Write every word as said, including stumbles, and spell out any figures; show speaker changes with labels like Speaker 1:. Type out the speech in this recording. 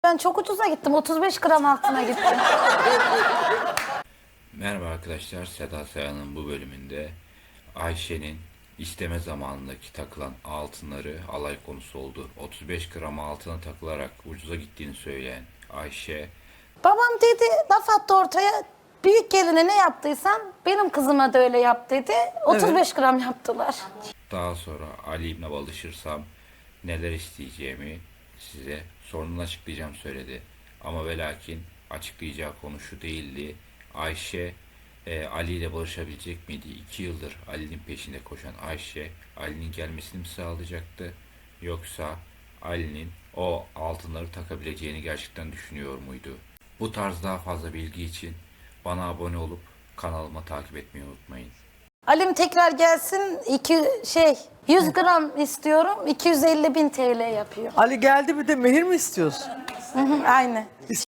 Speaker 1: ben çok ucuza gittim. otuz beş gram altına gittim.
Speaker 2: Merhaba arkadaşlar, Seda Sayan'ın bu bölümünde Ayşe'nin isteme zamanındaki takılan altınları alay konusu oldu. otuz beş gram altına takılarak ucuza gittiğini söyleyen Ayşe,
Speaker 1: Babam dedi, laf attı ortaya. Büyük geline ne yaptıysan benim kızıma da öyle yap dedi. otuz beş gram yaptılar.
Speaker 2: daha sonra Ali İbn'e alışırsam neler isteyeceğimi size sonunda açıklayacağım söyledi. Ama ve lakin açıklayacağı konu şu değildi. Ayşe e, Ali ile barışabilecek miydi? İki yıldır Ali'nin peşinde koşan Ayşe, Ali'nin gelmesini mi sağlayacaktı? Yoksa Ali'nin o altınları takabileceğini gerçekten düşünüyor muydu? Bu tarz daha fazla bilgi için bana abone olup kanalıma takip etmeyi unutmayın.
Speaker 1: Alim tekrar gelsin, iki şey yüz gram istiyorum, iki yüz elli bin T L yapıyor.
Speaker 3: Ali geldi, bir de mehir mi istiyorsun?
Speaker 1: Hı hı, aynı.